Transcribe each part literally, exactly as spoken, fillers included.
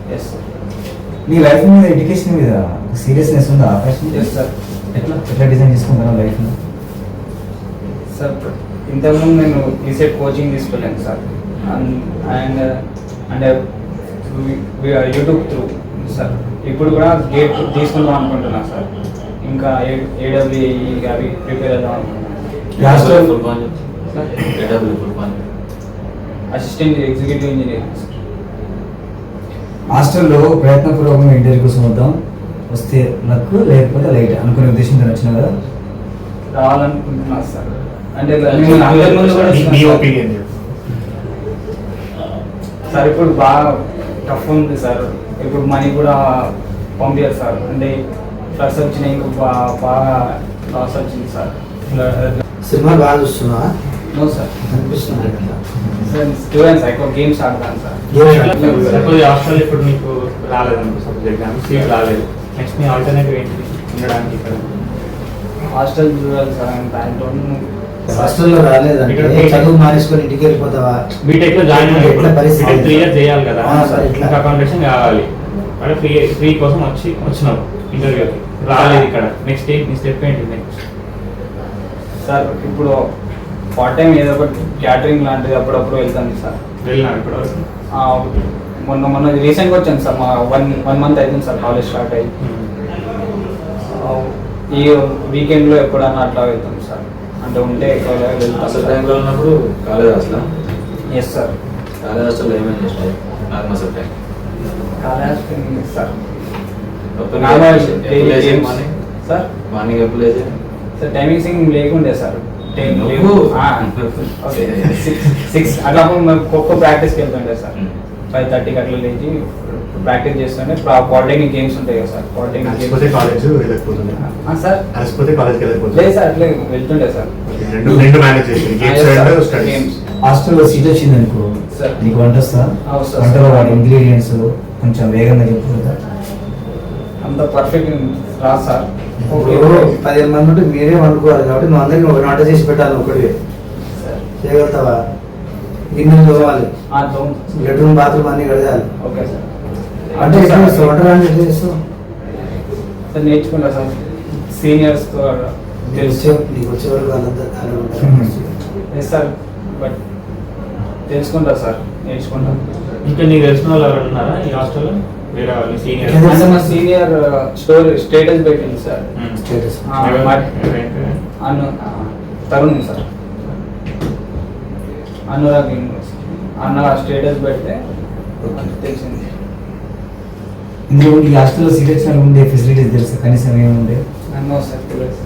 Yes sir. నీ life మీద education మీద సీరియస్నెస్ ఉందా ఆకాశం? Yes sir. ఎట్లా ఎట్లా డిజైన్ చేసుకుంటాను లైఫ్ని? సార్ ఇంతకుముందు నేను ఈసెట్ కోచింగ్ తీసుకెళ్ళాను sir. And and YouTube through sir. ఇప్పుడు కూడా గేట్ తీసుకుందాం అనుకుంటున్నాను సార్. ఇంకా ఏడబ్ల్యూఈ అవి ప్రిపేర్ అవుదాం అనుకుంటున్నాను. Assistant executive engineer. హాస్టల్లో ప్రయత్నపూర్వకంగా ఇంటర్వ్యూ కోసం వద్దాం, వస్తే లక్ లేకపోతే లైట్ అనుకునే ఉద్దేశంతో వచ్చిన కదా రావాలనుకుంటున్నా సార్. అంటే సార్ ఇప్పుడు బాగా టఫ్ ఉంది సార్. ఇప్పుడు మనీ కూడా పంపించారు సార్. అంటే ఫ్లడ్స్ వచ్చినాయి, ఇంకా బాగా బాగా లాస్ వచ్చింది సార్. సినిమా బాగా చూస్తున్నా? No sir. అనిపిస్తుంది సార్ స్టూడెంట్స్ ఎక్కువ గేమ్స్ ఆడతాను సార్. హాస్టల్ ఇప్పుడు మీకు రాలేదనుకో, సపోజ్ ఎగ్జామ్ సీట్ రాలేదు, నెక్స్ట్ మీ ఆల్టర్నేటివ్ ఏంటి ఉండడానికి ఇక్కడ? హాస్టల్ చూడాలి సార్. దాంట్లో హాస్టల్లో రాలేదంటే చదువు మానేసుకొని ఇంటికి వెళ్ళిపోతావా? బీటెక్ లో జాయిన్ ఎట్లా పరిస్థితి? త్రీ ఇయర్స్ చేయాలి కదా, సార్ ఇట్లా అకామిడేషన్ కావాలి. అంటే ఫ్రీ ఫ్రీ కోసం వచ్చి వచ్చినావు ఇంటర్వ్యూకి, రాలేదు ఇక్కడ. నెక్స్ట్ నీ స్టెప్ ఏంటి నెక్స్ట్? సార్ ఇప్పుడు పార్ట్ టైం ఏదో ఒకటి క్యాటరింగ్ లాంటిది అప్పుడప్పుడు వెళ్తాను సార్. వెళ్ళినావు ఇప్పటివరకు? మొన్న మొన్న రీసెంట్గా వచ్చాను సార్. మా వన్ వన్ మంత్ అవుతుంది సార్ కాలేజ్ స్టార్ట్ అయ్యి. ఈ వీకెండ్లో ఎప్పుడన్నా అట్లా వెళ్తాం సార్. అంటే ఉంటే ఎక్కువ వెళ్తాం. అసలు టైంలో ఉన్నప్పుడు college hostel? Yes sir. College హాస్టల్లో ఏమేమి చేస్తాయి? అసలు time college sir sir morning ఎప్పుడు లేచి సార్ టైమింగ్స్ లేకుండే సార్. నువ్వు? సిక్స్ అట్లా ఖోఖో ప్రాక్టీస్కి వెళ్తుండే సార్. ఫైవ్ థర్టీకి అట్లా లేచి ప్రాక్టీస్ చేస్తుండే. పాలిటెక్నిక్ గేమ్స్ ఉంటాయి కదా సార్. పాలిటెక్నిక్ గేమ్స్ కాలేజ్ వెళ్ళకపోతుంది సార్. అలసిపోతే కాలేజ్కి వెళ్ళకపోతుంది లేదు సార్, అట్లే వెళ్తుండే సార్. రెండు రెండు మేనేజ్ చేసి గేమ్స్ స్టడీస్. గేమ్స్ హాస్టల్లో సీట్ వచ్చింది అనుకో, సార్ నీకు వంట వస్తా? అవును సార్. వంటలో వాటి ఇంగ్రీడియంట్స్ కొంచెం వేగంగా చెప్పుకుంటా. అంత పర్ఫెక్ట్ రాదు సార్. ఇప్పుడు పదిహేను మంది ఉంటే మీరే వండుకోవాలి కాబట్టి నువ్వు అందరికీ ఒక వంట చేసి పెట్టాలి. ఒకటి చేయగలుగుతావా? గిన్నెలు తోవాలి, బెడ్రూమ్ బాత్రూమ్ అన్ని కడగాలి. Okay sir. అంటే ఎట్లా చేస్తావు వంట? రాని ఎట్లా చేస్తావు? సార్ నేర్చుకుంటా సార్. సీనియర్స్తో తెలుసు. నీకు వచ్చే వరకు వాళ్ళంతా ఎస్ సార్. బట్ తెలుసుకుంటా సార్, నేర్చుకుంటా. ఇంకా నీకు తెలిసిన వాళ్ళు ఎవరు ఉన్నారా ఈ హాస్టల్లో? వేరే వాళ్ళు సీనియర్? అంటే మా సీనియర్ స్టోరీ స్టేటస్ పెట్టింది సార్. స్టేటస్ అను తరుణ్ సార్, అనురాగ్ యూనివర్సిటీ అన్న స్టేటస్ పెడితే తెలిసింది. ఇందులో ఈ హాస్టల్లో సీట్ వచ్చిన ఉండే ఫెసిలిటీస్ తెలుసు కనీసం ఏముండే? అన్నో సార్ తెలుసు.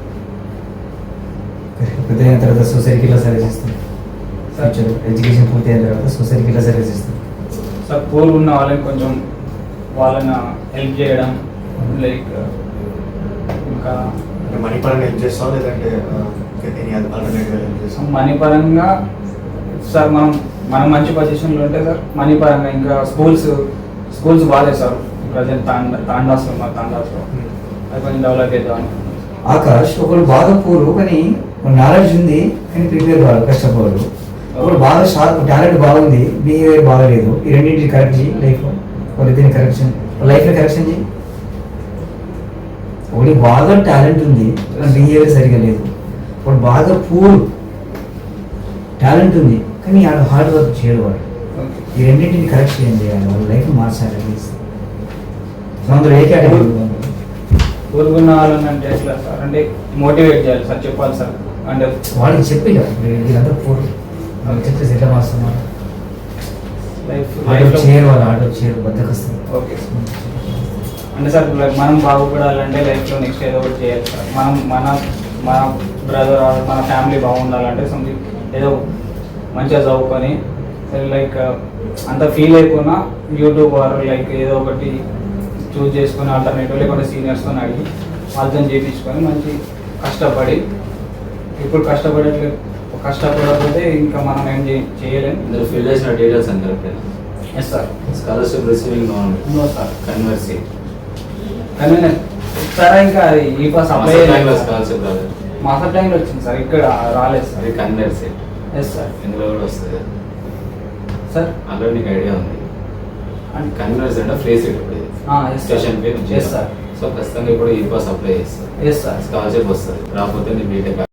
పెద్ద అయిన తర్వాత సొసైటీకి ఇలా సర్వీస్ ఇస్తాం. ఎడ్యుకేషన్ పూర్తి అయిన తర్వాత సొసైటీకి ఇలా సర్వీస్ ఇస్తాం సార్. పూర్ ఉన్న వాళ్ళని కొంచెం వాళ్ళని హెల్ప్ చేయడం, లైక్ ఇంకా మనీ పరంగా హెల్ప్ చేస్తావు లేదంటే హెల్ప్ చేస్తాం? మనీ పరంగా సార్ మనం మనం మంచి పొజిషన్లో ఉంటే సార్ మనీ పరంగా. ఇంకా స్కూల్స్ స్కూల్స్ బాగాలేదు సార్ ప్రజెంట్. తాండా తాండాస్లో మా తాండాస్లో అది కొంచెం డెవలప్ అవుతాం. ఆకాష్ ఒకరు బాగా పూరు కానీ నాలెడ్జ్ ఉంది కానీ ప్రిపేర్ కాదు, కష్టపోరు. ఒకరు బాగా షార్ప్ టాలెంట్ బాగుంది, బిహేవియర్ బాగలేదు. ఈ రెండింటిని కరెక్ట్ చేయి లైఫ్. వాళ్ళిద్దరిని కరెక్షన్ లైఫ్ని కరెక్షన్ చేయి. ఒకటి బాగా టాలెంట్ ఉంది కానీ బిహేవియర్ సరిగా లేదు. ఒకటి బాగా పూర్ టాలెంట్ ఉంది కానీ ఆడ హార్డ్ వర్క్ చేయడు వాడు. ఈ రెండింటిని కరెక్ట్ చేయండి, చేయాలి. వాళ్ళ లైఫ్ మార్చాలి. అందులో ఏ కేటగిరీ ఊరుకున్న వాళ్ళని అంటే ఎట్లా సార్? అంటే మోటివేట్ చేయాలి సార్, చెప్పాలి సార్. అంటే వాళ్ళకి చెప్పి వీళ్ళంతా పూర్ వాళ్ళకి చెప్తే సెట్ మాస్తున్నారు. లైఫ్ ఆటో చేయరు, వాళ్ళు ఆటో చేయరు, బద్దకొస్తారు. ఓకే అంటే సార్ మనం బాగుపడాలంటే లైఫ్లో నెక్స్ట్ ఏదో ఒకటి చేయాలి సార్. మనం మన మన బ్రదర్ మన ఫ్యామిలీ బాగుండాలంటే సంథింగ్ ఏదో మంచిగా చదువుకొని లైక్ అంత ఫీల్ అయిపోయినా యూట్యూబ్ ఆర్ లైక్ ఏదో ఒకటి చూస్ చేసుకొని ఆల్టర్నేటివ్ లేకుంటే సీనియర్స్తో అడిగి వాళ్ళతో చేయించుకొని మంచి కష్టపడి. ఇప్పుడు కష్టపడట్లే కష్టపడకపోతే ఇంకా మనం ఏం చేయలేము. ఇందులో ఫిల్ చేసిన డీటెయిల్స్ అని correct? Yes sir. Scholarship receiving no sir. కన్వర్సీ కానీ సార్ ఇంకా ఈ పాస్ అప్లై స్కాలర్షిప్ రాలేదు. మాస్టర్ టైంలో వచ్చింది సార్, ఇక్కడ రాలేదు సార్. అది కన్వర్సీ. Yes sir. ఇందులో కూడా వస్తుంది సార్. అందులో నీకు ఐడియా ఉంది? And- కన్వీనర్స్ అంటే ఫ్రీ సీట్ ఇప్పుడు ఇది. Ah, yes, sir. Station fee Yes, sir. So ఖచ్చితంగా ఇప్పుడు ఈ పాస్ అప్లై చేస్తారు ఎస్ సార్ స్కాలర్షిప్ వస్తుంది రాకపోతే నీ బీటెక్